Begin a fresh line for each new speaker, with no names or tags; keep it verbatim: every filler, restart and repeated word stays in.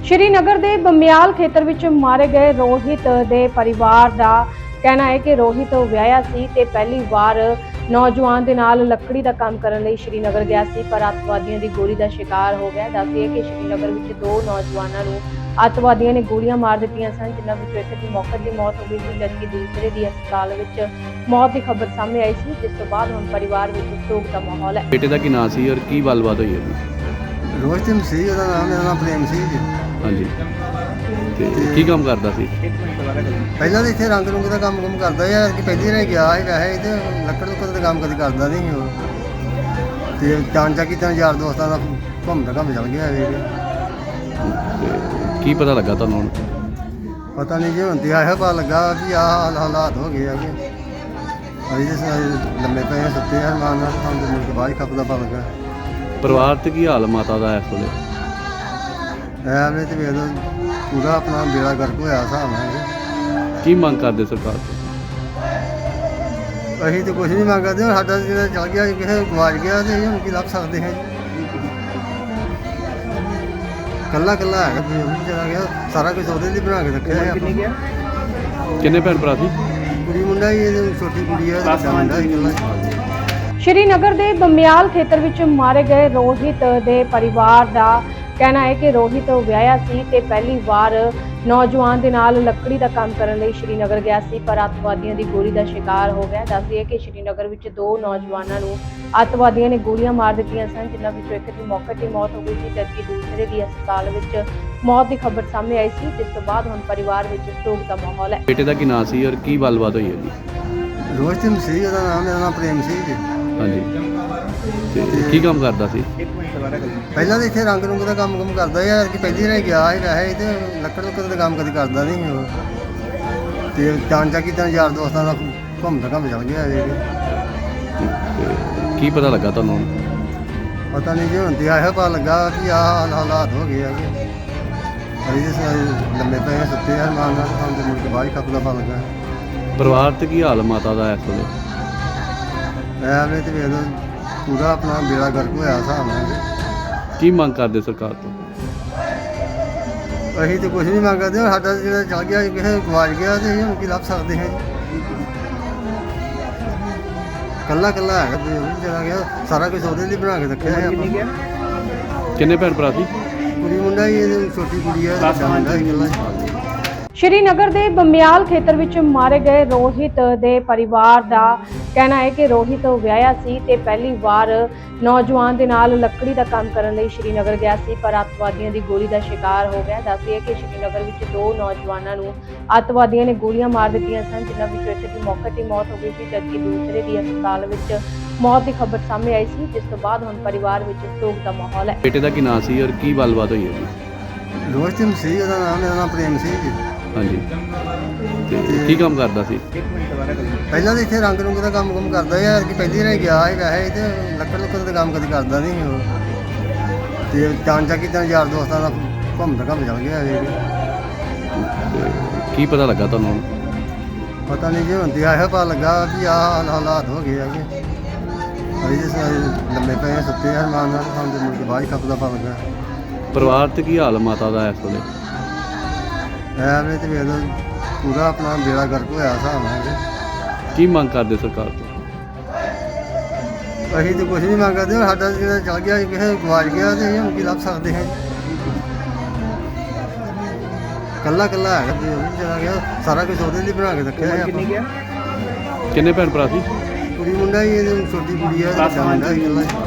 ਸ਼੍ਰੀਨਗਰ ਦੇ ਬਮਿਆਲ ਖੇਤਰ ਵਿੱਚ ਮਾਰੇ ਗਏ ਰੋਹਿਤ ਦੇ ਪਰਿਵਾਰ ਦਾ ਕਹਿਣਾ ਹੈ ਕਿ ਰੋਹਿਤ ਵਿਆਹਿਆ ਸੀ ਤੇ ਪਹਿਲੀ ਵਾਰ ਨੌਜਵਾਨ ਦੇ ਨਾਲ ਲੱਕੜੀ ਦਾ ਕੰਮ ਕਰਨ ਲਈ ਸ਼੍ਰੀਨਗਰ ਗਿਆ ਸੀ, ਪਰ ਅੱਤਵਾਦੀਆਂ ਦੀ ਗੋਲੀ ਦਾ ਸ਼ਿਕਾਰ ਹੋ ਗਿਆ। ਦੱਸਦੇ ਕਿ ਸ਼੍ਰੀਨਗਰ ਵਿੱਚ ਦੋ ਨੌਜਵਾਨਾਂ ਨੂੰ ਅੱਤਵਾਦੀਆਂ ਨੇ ਗੋਲੀਆਂ ਮਾਰ ਦਿੱਤੀਆਂ ਸਨ, ਜਿਨ੍ਹਾਂ ਵਿੱਚੋਂ ਇੱਕ ਦੀ ਮੌਕੇ ਦੀ ਮੌਤ ਹੋ ਗਈ ਸੀ, ਜਦਕਿ ਦੂਸਰੇ ਦੀ ਹਸਪਤਾਲ ਵਿੱਚ ਮੌਤ ਦੀ ਖਬਰ ਸਾਹਮਣੇ ਆਈ ਸੀ, ਜਿਸ ਤੋਂ ਬਾਅਦ ਹੁਣ ਪਰਿਵਾਰ ਵਿੱਚ ਸੋਗ ਦਾ ਮਾਹੌਲ ਹੈ।
ਬੇਟੇ ਦਾ ਕੀ ਨਾਂ ਸੀ ਔਰ ਕੀ ਗੱਲਬਾਤ ਹੋਈ ਹੈ?
ਰੋਹਿਤ ਸਿੰਘ ਸੀ ਉਹਦਾ ਨਾਮ, ਮੇਰਾ ਨਾਮ ਪ੍ਰੇਮ ਸੀ ਜੀ।
ਹਾਂਜੀ, ਤੇ ਕੀ ਕੰਮ ਕਰਦਾ ਸੀ?
ਪਹਿਲਾਂ ਤਾਂ ਇੱਥੇ ਰੰਗ ਰੁੰਗ ਦਾ ਕੰਮ ਕੰਮ ਕਰਦਾ ਯਾਰ, ਕਿ ਪਹਿਲੀ ਵਾਰ ਗਿਆ ਸੀ ਵੈਸੇ ਤੇ ਲੱਕੜ ਲੁੱਕੜ ਦਾ ਕੰਮ ਕਦੇ ਕਰਦਾ ਨਹੀਂ ਸੀ ਉਹ। ਤੇ ਚਾਂਚਾ ਕੀਤਾ ਯਾਰ ਦੋਸਤਾਂ ਦਾ ਘੁੰਮਦਾ ਘੁੰਮ ਚੱਲ ਗਿਆ ਵੇਖ।
ਤੇ ਕੀ ਪਤਾ ਲੱਗਾ ਤੁਹਾਨੂੰ ਹੁਣ?
ਪਤਾ ਨਹੀਂ ਜੀ, ਹੁਣ ਤੇ ਆਇਆ ਪਤਾ ਲੱਗਾ ਵੀ ਆਹ ਹਾਲਾਤ ਹੋ ਗਏ ਆ ਕਿ ਅਸੀਂ ਤੇ ਸਾਰੇ ਲੰਮੇ ਪਏ ਆ, ਸੁੱਤੇ ਆ ਮਾਨ ਨਾਲ, ਸਾਨੂੰ ਮੁੜ ਕੇ ਬਾਅਦ ਹੀ ਖੱਪ ਦਾ ਪਤਾ ਲੱਗਾ।
ਪਰਿਵਾਰ ਤੇ ਕੀ ਹਾਲ ਮਾਤਾ ਦਾ ਇਸ ਵੇਲੇ?
ਐਵੇਂ ਤੇ ਵੇਖ ਲਓ ਪੂਰਾ ਆਪਣਾ ਬੇੜਾ ਗਰਕ ਹੋਇਆ ਹਿਸਾਬ ਨਾਲ।
ਕੀ ਮੰਗ ਕਰਦੇ ਸਰਕਾਰ ਤੋਂ?
ਅਸੀਂ ਤਾਂ ਕੁਛ ਨਹੀਂ ਮੰਗਦੇ, ਹੁਣ ਸਾਡਾ ਜਿਹੜਾ ਚੱਲ ਗਿਆ ਕਿਸੇ ਗਵਾਚ ਗਿਆ ਤੇ ਅਸੀਂ ਹੁਣ ਕੀ ਲੱਭ ਸਕਦੇ ਹਾਂ ਜੀ। ਕੱਲਾ ਕੱਲਾ ਹੈਗਾ ਵੀ ਉਹ ਵੀ ਚਲਾ ਗਿਆ, ਸਾਰਾ ਕੁਝ ਉਹਦੇ ਲਈ ਬਣਾ ਕੇ ਰੱਖਿਆ ਹੈ ਆਪਾਂ।
ਕਿੰਨੇ ਭੈਣ ਭਰਾ ਸੀ?
ਕੁੜੀ ਮੁੰਡਾ ਹੀ, ਇਹ ਛੋਟੀ ਕੁੜੀ ਹੈ, ਵੱਡਾ ਮੁੰਡਾ ਹੀ ਇਕੱਲਾ ਹੀ।
ਸ਼੍ਰੀਨਗਰ ਦੇ ਬਮਿਆਲ ਖੇਤਰ ਵਿੱਚ ਮਾਰੇ ਗਏ ਰੋਹਿਤ ਦੇ ਪਰਿਵਾਰ ਦਾ ਕਹਿਣਾ ਹੈ ਕਿ ਰੋਹਿਤ ਵਿਆਹਿਆ ਸੀ ਤੇ ਪਹਿਲੀ ਵਾਰ ਨੌਜਵਾਨ ਦੇ ਨਾਲ ਲੱਕੜੀ ਦਾ ਕੰਮ ਕਰਨ ਲਈ ਸ਼੍ਰੀਨਗਰ ਗਿਆ ਸੀ, ਪਰ ਅੱਤਵਾਦੀਆਂ ਦੀ ਗੋਲੀ ਦਾ ਸ਼ਿਕਾਰ ਹੋ ਗਿਆ। ਦੱਸਦੇ ਕਿ ਸ਼੍ਰੀਨਗਰ ਵਿੱਚ ਦੋ ਨੌਜਵਾਨਾਂ ਨੂੰ ਅੱਤਵਾਦੀਆਂ ਨੇ ਗੋਲੀਆਂ ਮਾਰ ਦਿੱਤੀਆਂ ਸਨ, ਜਿਨ੍ਹਾਂ ਵਿੱਚੋਂ ਇੱਕ ਦੀ ਮੌਕੇ ਤੇ ਮੌਤ ਹੋ ਗਈ ਸੀ, ਜਦਕਿ ਦੂਸਰੇ ਦੀ ਹਸਪਤਾਲ ਵਿੱਚ ਮੌਤ ਦੀ ਖਬਰ ਸਾਹਮਣੇ ਆਈ ਸੀ, ਜਿਸ ਤੋਂ ਬਾਅਦ ਹੁਣ ਪਰਿਵਾਰ ਵਿੱਚ ਸੋਗ ਦਾ ਮਾਹੌਲ ਹੈ।
ਬੇਟੇ ਦਾ ਕੀ ਨਾਂ ਸੀ ਔਰ ਕੀ ਗੱਲਬਾਤ ਹੋਈ ਹੈ ਜੀ?
ਰੋਹਿਤ ਸਿੰਘ ਸੀ ਉਹਦਾ ਨਾਮ, ਮੇਰਾ ਨਾਮ ਪ੍ਰੇਮ ਸੀ ਜੀ।
ਹਾਂਜੀ, ਤੇ ਕੀ ਕੰਮ ਕਰਦਾ ਸੀ?
ਪਹਿਲਾਂ ਤਾਂ ਇੱਥੇ ਰੰਗ ਰੁੰਗ ਦਾ ਕੰਮ ਕੰਮ ਕਰਦਾ ਯਾਰ, ਕਿ ਪਹਿਲੀ ਵਾਰ ਗਿਆ ਸੀ ਵੈਸੇ ਤੇ ਲੱਕੜ ਲੁੱਕੜ ਦਾ ਕੰਮ ਕਦੇ ਕਰਦਾ ਨਹੀਂ ਸੀ ਉਹ। ਤੇ ਚਾਂਚਾ ਕੀਤਾ ਯਾਰ ਦੋਸਤਾਂ ਦਾ ਘੁੰਮਦਾ ਘੁੰਮ ਚੱਲ ਗਿਆ ਵੇਖ।
ਤੇ ਕੀ ਪਤਾ ਲੱਗਾ ਤੁਹਾਨੂੰ ਹੁਣ?
ਪਤਾ ਨਹੀਂ ਜੀ, ਹੁਣ ਤੇ ਆਇਆ ਪਤਾ ਲੱਗਾ ਵੀ ਆਹ ਹਾਲਾਤ ਹੋ ਗਏ ਆ ਕਿ ਅਸੀਂ ਤੇ ਸਾਰੇ ਲੰਮੇ ਪਏ ਆ, ਸੁੱਤੇ ਆ ਮਾਨ ਨਾਲ, ਸਾਨੂੰ ਮੁੜ ਕੇ ਬਾਅਦ ਹੀ ਖੱਪ ਦਾ ਪਤਾ ਲੱਗਾ।
ਪਰਿਵਾਰ ਤੇ ਕੀ ਹਾਲ ਮਾਤਾ ਦਾ ਇਸ ਵੇਲੇ?
ਐਵੇਂ ਤੇ ਵੇਖ ਲਓ ਪੂਰਾ ਆਪਣਾ ਬੇੜਾ ਗਰਕ ਹੋਇਆ ਹਿਸਾਬ ਨਾਲ।
ਕੀ ਮੰਗ ਕਰਦੇ ਸਰਕਾਰ ਤੋਂ?
ਅਸੀਂ ਤਾਂ ਕੁਛ ਨਹੀਂ ਮੰਗਦੇ, ਹੁਣ ਸਾਡਾ ਜਿਹੜਾ ਚੱਲ ਗਿਆ ਕਿਸੇ ਗਵਾਚ ਗਿਆ ਤੇ ਅਸੀਂ ਹੁਣ ਕੀ ਲੱਭ ਸਕਦੇ ਹਾਂ ਜੀ। ਕੱਲਾ ਕੱਲਾ ਹੈਗਾ ਵੀ ਉਹ ਵੀ ਚਲਾ ਗਿਆ, ਸਾਰਾ ਕੁਝ ਉਹਦੇ ਲਈ ਬਣਾ ਕੇ ਰੱਖਿਆ ਹੈ ਆਪਾਂ।
ਕਿੰਨੇ ਭੈਣ ਭਰਾ ਸੀ?
ਕੁੜੀ ਮੁੰਡਾ ਹੀ, ਇਹ ਛੋਟੀ ਕੁੜੀ ਹੈ, ਵੱਡਾ ਮੁੰਡਾ ਹੀ ਇਕੱਲਾ ਹੀ।
ਸ਼੍ਰੀਨਗਰ ਦੇ ਬਮਿਆਲ ਖੇਤਰ ਵਿੱਚ ਮਾਰੇ ਗਏ ਰੋਹਿਤ ਦੇ ਪਰਿਵਾਰ ਦਾ ਕਹਿਣਾ ਹੈ ਕਿ ਰੋਹਿਤ ਵਿਆਹਿਆ ਸੀ ਤੇ ਪਹਿਲੀ ਵਾਰ ਨੌਜਵਾਨ ਦੇ ਨਾਲ ਲੱਕੜੀ ਦਾ ਕੰਮ ਕਰਨ ਲਈ ਸ਼੍ਰੀਨਗਰ ਗਿਆ ਸੀ, ਪਰ ਅੱਤਵਾਦੀਆਂ ਦੀ ਗੋਲੀ ਦਾ ਸ਼ਿਕਾਰ ਹੋ ਗਿਆ। ਦੱਸਦੇ ਕਿ ਸ਼੍ਰੀਨਗਰ ਵਿੱਚ ਦੋ ਨੌਜਵਾਨਾਂ ਨੂੰ ਅੱਤਵਾਦੀਆਂ ਨੇ ਗੋਲੀਆਂ ਮਾਰ ਦਿੱਤੀਆਂ ਸਨ, ਜਿਨ੍ਹਾਂ ਵਿੱਚੋਂ ਇੱਕ ਦੀ ਮੌਕੇ ਤੇ ਮੌਤ ਹੋ ਗਈ ਸੀ, ਜਦਕਿ ਦੂਸਰੇ ਦੀ ਹਸਪਤਾਲ ਵਿੱਚ ਮੌਤ ਦੀ ਖਬਰ ਸਾਹਮਣੇ ਆਈ ਸੀ, ਜਿਸ ਤੋਂ ਬਾਅਦ ਹੁਣ ਪਰਿਵਾਰ ਵਿੱਚ ਸੋਗ ਦਾ ਮਾਹੌਲ ਹੈ।
ਬੇਟੇ ਦਾ ਕੀ ਨਾਂ ਸੀ ਔਰ ਕੀ ਗੱਲਬਾਤ ਹੋਈ ਹੈ ਜੀ?
ਰੋਹਿਤ ਸਿੰਘ ਸੀ ਉਹਦਾ ਨਾਮ, ਮੇਰਾ ਨਾਮ ਪ੍ਰੇਮ ਸੀ ਜੀ।
ਹਾਂਜੀ, ਤੇ ਕੀ ਕੰਮ ਕਰਦਾ ਸੀ?
ਪਹਿਲਾਂ ਤਾਂ ਇੱਥੇ ਰੰਗ ਰੁੰਗ ਦਾ ਕੰਮ ਕੰਮ ਕਰਦਾ ਯਾਰ, ਕਿ ਪਹਿਲੀ ਵਾਰ ਗਿਆ ਸੀ ਵੈਸੇ ਤੇ ਲੱਕੜ ਲੁੱਕੜ ਦਾ ਕੰਮ ਕਦੇ ਕਰਦਾ ਨਹੀਂ ਸੀ ਉਹ। ਤੇ ਚਾਂਚਾ ਕੀਤਾ ਯਾਰ ਦੋਸਤਾਂ ਦਾ ਘੁੰਮਦਾ ਘੁੰਮ ਚੱਲ ਗਿਆ ਵੇਖ।
ਕੀ ਪਤਾ ਲੱਗਾ ਤੁਹਾਨੂੰ ਹੁਣ?
ਪਤਾ ਨਹੀਂ ਜੀ, ਹੁਣ ਤੇ ਆਇਆ ਪਤਾ ਲੱਗਾ ਵੀ ਆਹ ਹਾਲਾਤ ਹੋ ਗਏ ਆ ਕਿ ਅਸੀਂ ਤੇ ਸਾਰੇ ਲੰਮੇ ਪਏ ਆ, ਸੁੱਤੇ ਆ ਮਾਨ ਨਾਲ, ਸਾਨੂੰ ਮੁੜ ਕੇ ਬਾਅਦ ਹੀ ਖੱਪ ਦਾ ਪਤਾ ਲੱਗਾ।
ਪਰਿਵਾਰ ਤੇ ਕੀ ਹਾਲ ਮਾਤਾ ਦਾ ਇਸ ਵੇਲੇ?
ਐਵੇਂ ਤੇ ਵੇਖ ਲਓ ਪੂਰਾ ਆਪਣਾ ਬੇੜਾ ਗਰਕ ਹੋਇਆ ਹਿਸਾਬ ਨਾਲ।
ਕੀ ਮੰਗ ਕਰਦੇ ਸਰਕਾਰ ਤੋਂ?
ਅਸੀਂ ਤਾਂ ਕੁਛ ਨਹੀਂ ਮੰਗਦੇ, ਹੁਣ ਸਾਡਾ ਜਿਹੜਾ ਚੱਲ ਗਿਆ ਕਿਸੇ ਗਵਾਚ ਗਿਆ ਤੇ ਅਸੀਂ ਹੁਣ ਕੀ ਲੱਭ ਸਕਦੇ ਹਾਂ ਜੀ। ਕੱਲਾ ਕੱਲਾ ਹੈਗਾ ਵੀ ਉਹ ਵੀ ਚਲਾ ਗਿਆ, ਸਾਰਾ ਕੁਝ ਉਹਦੇ ਲਈ ਬਣਾ ਕੇ ਰੱਖਿਆ ਹੈ ਆਪਾਂ।
ਕਿੰਨੇ ਭੈਣ ਭਰਾ ਸੀ?
ਕੁੜੀ ਮੁੰਡਾ ਹੀ, ਇਹ ਛੋਟੀ ਕੁੜੀ ਹੈ, ਵੱਡਾ ਮੁੰਡਾ ਹੀ ਇਕੱਲਾ ਹੀ।